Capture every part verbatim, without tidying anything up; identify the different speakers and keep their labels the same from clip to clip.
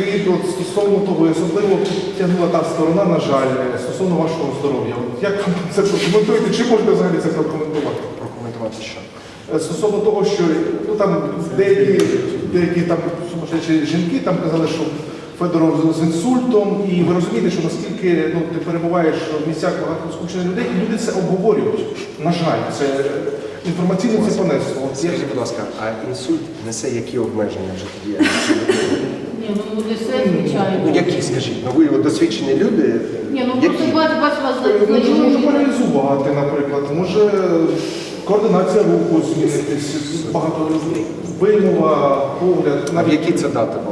Speaker 1: вкид от, стосовно того, і особливо тягнула та сторона, на жаль, стосовно вашого здоров'я. От як ви це прокоментуєте, чи можете взагалі це прокоментувати?
Speaker 2: Прокоментувати що?
Speaker 1: Стосовно того, що ну, там деякі, деякі там сумасшедші жінки там казали, що Федоров з інсультом, і ви розумієте, що наскільки ну, ти перебуваєш в місцях багато скучених людей, і люди це обговорюють. На жаль, це інформаційно це понесло.
Speaker 2: Скажіть, будь ласка, а інсульт несе які обмеження в життєдіяльності?
Speaker 3: Ні, ну не все, звичайно.
Speaker 2: Ну які, скажіть? Ну ви от досвідчені люди.
Speaker 3: Ні, ну
Speaker 2: які?
Speaker 3: просто бач, бач вас
Speaker 1: Може, може
Speaker 3: знайомі.
Speaker 1: паралізувати, наприклад, може координація руху змінитись, багато вимова, погляд.
Speaker 2: А в які це дати було?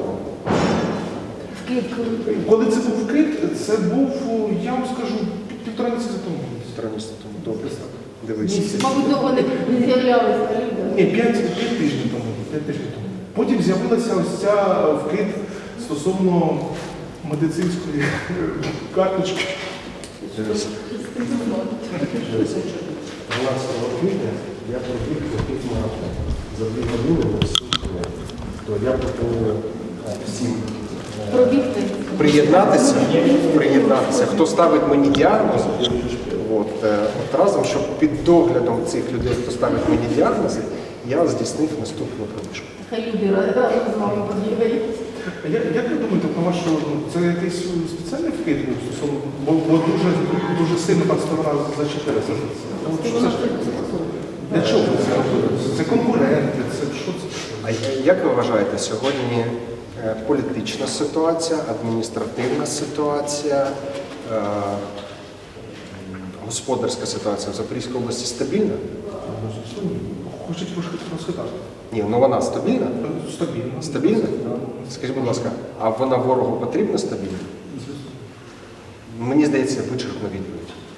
Speaker 1: Коли це був вкид, це був, я вам скажу, пів- півтора місяця тому.
Speaker 2: Півтора місяця тому. Добре. Дивись.
Speaker 1: Місяць.
Speaker 3: Мабуть, довго не не з'являлися люди.
Speaker 1: Ні, п'ять п'ять тижнів тому. п'ять тижнів тому. Потім з'явилася ось ця вкид стосовно медицинської карточки.
Speaker 2: Дивись. Дивись. дванадцятого квітня я пробіг якийсь марафон. За дві години на всім кілометрів. То я пропоную е, всім е,
Speaker 3: Пробігти.
Speaker 2: приєднатися, приєднатися. Хто ставить мені діагноз, от, е, от разом, щоб під доглядом цих людей, хто ставить мені діагнози, я здійснив наступну пробіжку.
Speaker 3: Хай люди разом з вами побігають.
Speaker 1: А я- Як ви думаєте, на вашу, ну, це якийсь спеціальний вкид був стосовно, бо, бо дуже, дуже сильно там сторона зачепилася за це. От що це ж таке? Для чого це робили? Це конкуренти, це що це?
Speaker 2: А як ви вважаєте, сьогодні е, політична ситуація, адміністративна ситуація, е, господарська ситуація в Запорізькій області стабільна?
Speaker 1: Хочуть розхитати.
Speaker 2: Ні, ну вона стабільна?
Speaker 1: Стабільно.
Speaker 2: Стабільна? Скажіть, будь ласка, а вона ворогу потрібна стабільна? Мені здається, вичерпна відповідь.